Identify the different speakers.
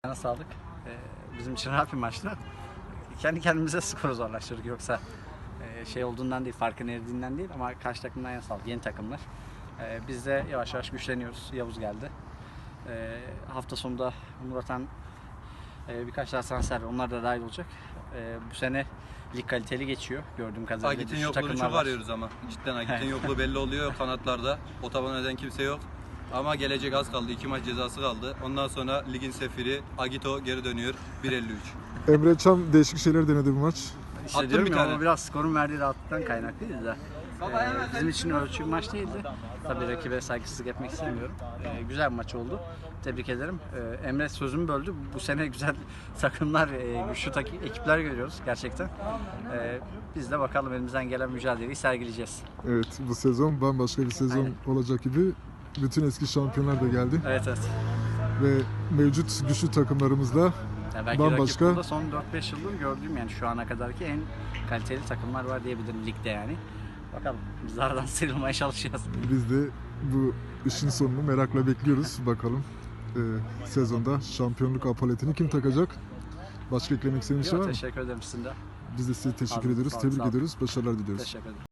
Speaker 1: Sağlık. Bizim için rahat bir maçtı. Kendi kendimize skoru zorlaştırdık. Yoksa şey olduğundan değil, farkın eridiğinden değil ama karşı takımdan yana sağlık. Yeni takımlar. Biz de yavaş yavaş güçleniyoruz. Yavuz geldi. Hafta sonunda Murat'tan birkaç daha transfer var. Onlar da dahil olacak. Bu sene lig kaliteli geçiyor gördüğüm kadarıyla.
Speaker 2: Agit'in yokluğunu çok arıyoruz ama. Cidden Agit'in yokluğu belli oluyor kanatlarda. O taban eden kimse yok. Ama gelecek az kaldı. 2 maç cezası kaldı. Ondan sonra ligin sefiri Agito geri dönüyor. 1.53.
Speaker 3: Emre Can değişik şeyler denedi bu maç.
Speaker 1: İşte
Speaker 2: Attım
Speaker 1: diyorum
Speaker 2: bir
Speaker 1: ya,
Speaker 2: tane.
Speaker 1: ama biraz skorun verdiği rahatlıktan kaynaklıydı da. Bizim için ölçü bir maç değildi. Tabii rakibe saygısızlık etmek istemiyorum. Güzel bir maç oldu. Tebrik ederim. Emre sözümü böldü. Bu sene güzel takımlar, güçlü ekipler görüyoruz gerçekten. Biz de bakalım elimizden gelen mücadeleyi sergileyeceğiz.
Speaker 3: Evet, bu sezon bambaşka bir sezon
Speaker 1: Aynen.
Speaker 3: olacak gibi. Bütün eski şampiyonlar da geldi
Speaker 1: Evet evet.
Speaker 3: ve mevcut güçlü takımlarımızla
Speaker 1: Yani belki
Speaker 3: bambaşka.
Speaker 1: rakip burada son 4-5 yıldır gördüğüm yani şu ana kadarki en kaliteli takımlar var diyebilirim ligde yani. Bakalım biz aradan sıyrılmaya çalışacağız.
Speaker 3: biz de bu işin sonunu merakla bekliyoruz. Bakalım sezonda şampiyonluk apaletini kim takacak? Başka eklemek istediğiniz şey var mı?
Speaker 1: Teşekkür ederim sizin de.
Speaker 3: Biz de size teşekkür
Speaker 1: Sağ olun,
Speaker 3: ediyoruz,
Speaker 1: sağ olun,
Speaker 3: tebrik
Speaker 1: sağ olun.
Speaker 3: ediyoruz, başarılar diliyoruz.
Speaker 1: Teşekkür ederim.